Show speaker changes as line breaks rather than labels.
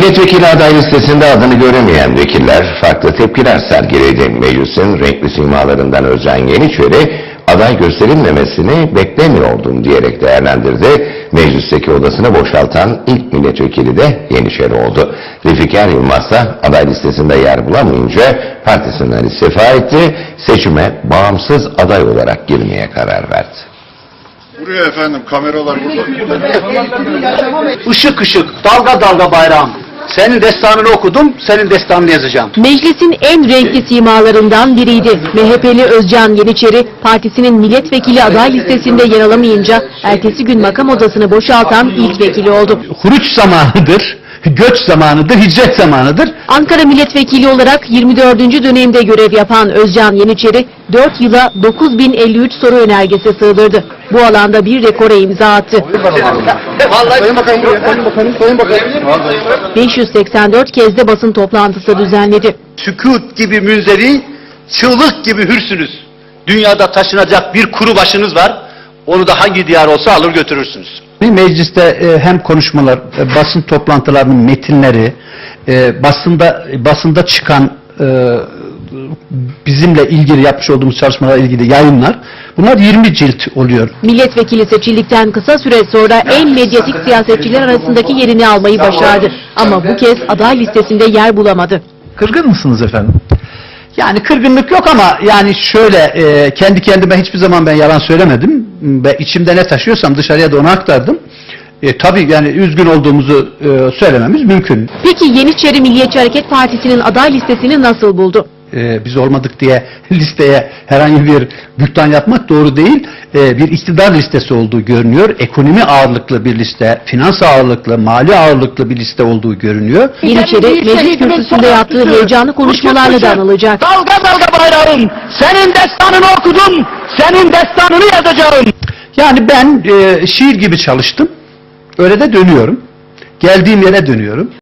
Milletvekili aday listesinde adını göremeyen vekiller farklı tepkiler sergiledi. Meclisin renkli simalarından Özcan Yeniçeri aday gösterilmemesini beklemiyordum diyerek değerlendirdi. Meclisteki odasını boşaltan ilk milletvekili de Yeniçeri oldu. Zülfikar Yılmaz da aday listesinde yer bulamayınca partisinden istifa etti. Seçime bağımsız aday olarak girmeye karar verdi.
Buraya efendim, kameralar burada.
Işık ışık, dalga dalga bayrağım. Senin destanını okudum, senin destanını yazacağım.
Meclisin en renkli simalarından biriydi. MHP'li Özcan Yeniçeri, partisinin milletvekili aday listesinde yer alamayınca ertesi gün makam odasını boşaltan ilk vekili oldu.
Huruç zamanıdır, göç zamanıdır, hicret zamanıdır.
Ankara milletvekili olarak 24. dönemde görev yapan Özcan Yeniçeri, 4 yıla 9053 soru önergesi sığdırdı. Bu alanda bir rekora imza attı.
Sayın Bakanım buraya, Sayın Bakanım.
584 kez de basın toplantısı düzenledi.
Sükût gibi münzeri, çığlık gibi hürsünüz. Dünyada taşınacak bir kuru başınız var. Onu da hangi diyar olsa alır götürürsünüz. Mecliste hem konuşmalar, basın toplantılarının metinleri, basında çıkan bizimle ilgili yapmış olduğumuz çalışmalarla ilgili yayınlar, bunlar 20 cilt oluyor.
Milletvekili seçildikten kısa süre sonra en medyatik siyasetçiler arasındaki yerini almayı başardı. Ama bu kez aday listesinde yer bulamadı.
Kırgın mısınız efendim?
Yani kırgınlık yok ama yani şöyle kendi kendime hiçbir zaman ben yalan söylemedim ve içimde ne taşıyorsam dışarıya da onu aktardım. Tabii yani üzgün olduğumuzu söylememiz mümkün.
Peki Yeniçeri Milliyetçi Hareket Partisi'nin aday listesini nasıl buldu?
Biz olmadık diye listeye herhangi bir bülten yapmak doğru değil. Bir iktidar listesi olduğu görünüyor. Ekonomi ağırlıklı bir liste, finans ağırlıklı, mali ağırlıklı bir liste olduğu görünüyor.
Yeniçeri meclis kürsüsünde yaptığı heyecanlı konuşmalarla da anılacak.
Dalga dalga bayrağım, senin destanını okudum, senin destanını yazacağım. Yani ben şiir gibi çalıştım. Öyle de dönüyorum. Geldiğim yere dönüyorum.